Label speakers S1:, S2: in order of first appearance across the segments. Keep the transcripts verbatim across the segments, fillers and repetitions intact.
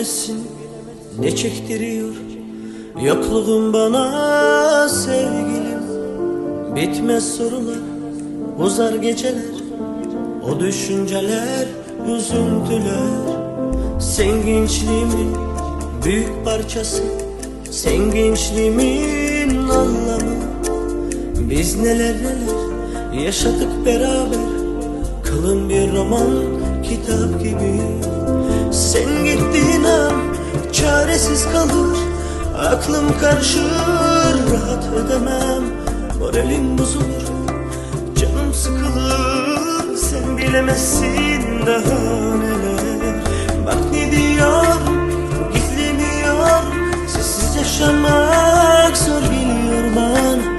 S1: bilemezsin ne çektiriyor yokluğun bana sevgilim. Bitmez sorular, uzar geceler, o düşünceler, üzüntüler. Sen gençliğimin büyük parçası, sen gençliğimin anlamı. Biz neler neler yaşadık beraber, kalın bir roman kitap gibi. Sen gittiğin an çaresiz kalır, aklım karışır, rahat edemem, moralim bozulur, canım sıkılır. Sen bilemezsin daha neler. Bak ne diyor, gizlemiyor, sessiz yaşamak zor geliyor bana.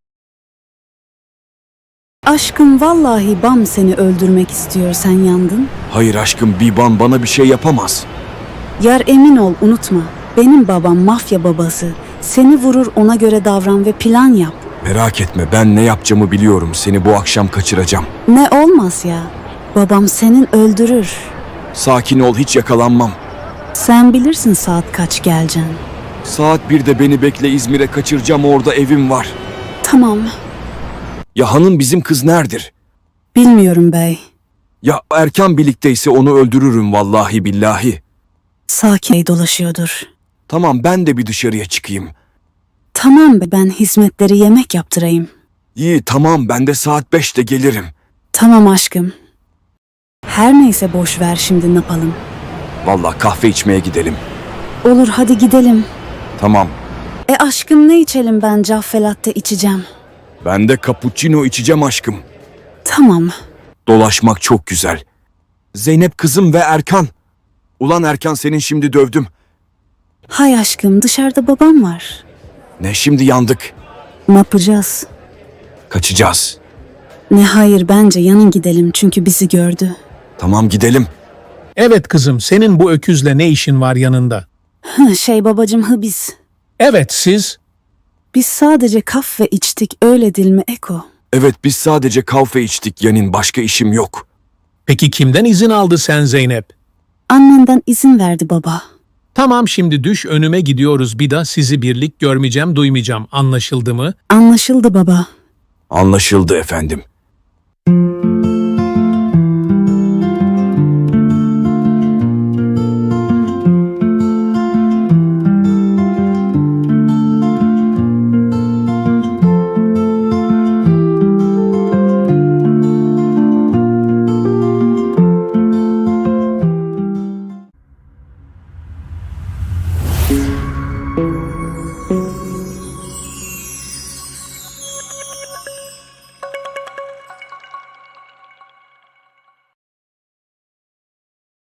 S2: Aşkım vallahi Bam seni öldürmek istiyor, sen yandın.
S3: Hayır aşkım, Biban bana bir şey yapamaz.
S2: Yar emin ol, unutma. Benim babam mafya babası. Seni vurur, ona göre davran ve plan yap.
S3: Merak etme, ben ne yapacağımı biliyorum. Seni bu akşam kaçıracağım.
S2: Ne olmaz ya. Babam senin öldürür.
S3: Sakin ol, hiç yakalanmam.
S2: Sen bilirsin saat kaç geleceksin.
S3: Saat birde beni bekle, İzmir'e kaçıracağım, orada evim var.
S2: Tamam.
S3: Ya hanım, bizim kız neredir?
S2: Bilmiyorum bey.
S3: Ya Erkan birlikteyse onu öldürürüm vallahi billahi.
S2: Sakin dolaşıyordur.
S3: Tamam, ben de bir dışarıya çıkayım.
S2: Tamam be, ben hizmetleri yemek yaptırayım.
S3: İyi tamam, ben de saat beşte gelirim.
S2: Tamam aşkım. Her neyse, boş ver, şimdi ne yapalım?
S3: Vallahi kahve içmeye gidelim.
S2: Olur, hadi gidelim.
S3: Tamam.
S2: E aşkım, ne içelim? Ben caffe latte içeceğim.
S3: Ben de cappuccino içeceğim aşkım.
S2: Tamam.
S3: Dolaşmak çok güzel. Zeynep kızım ve Erkan. Ulan Erkan, senin şimdi dövdüm.
S2: Hay aşkım, dışarıda babam var.
S3: Ne şimdi, yandık.
S2: Ne yapacağız?
S3: Kaçacağız.
S2: Ne hayır, bence yanın gidelim çünkü bizi gördü.
S3: Tamam, gidelim.
S4: Evet kızım, senin bu öküzle ne işin var yanında?
S2: Hı, şey babacım, hı biz.
S4: Evet siz.
S2: Biz sadece kahve içtik, öyle değil mi Eko?
S3: Evet, biz sadece kahve içtik Yanin, başka işim yok.
S4: Peki kimden izin aldı sen Zeynep?
S2: Annenden izin verdi baba.
S4: Tamam, şimdi düş önüme, gidiyoruz, bir daha sizi birlik görmeyeceğim, duymayacağım, anlaşıldı mı?
S2: Anlaşıldı baba.
S3: Anlaşıldı efendim.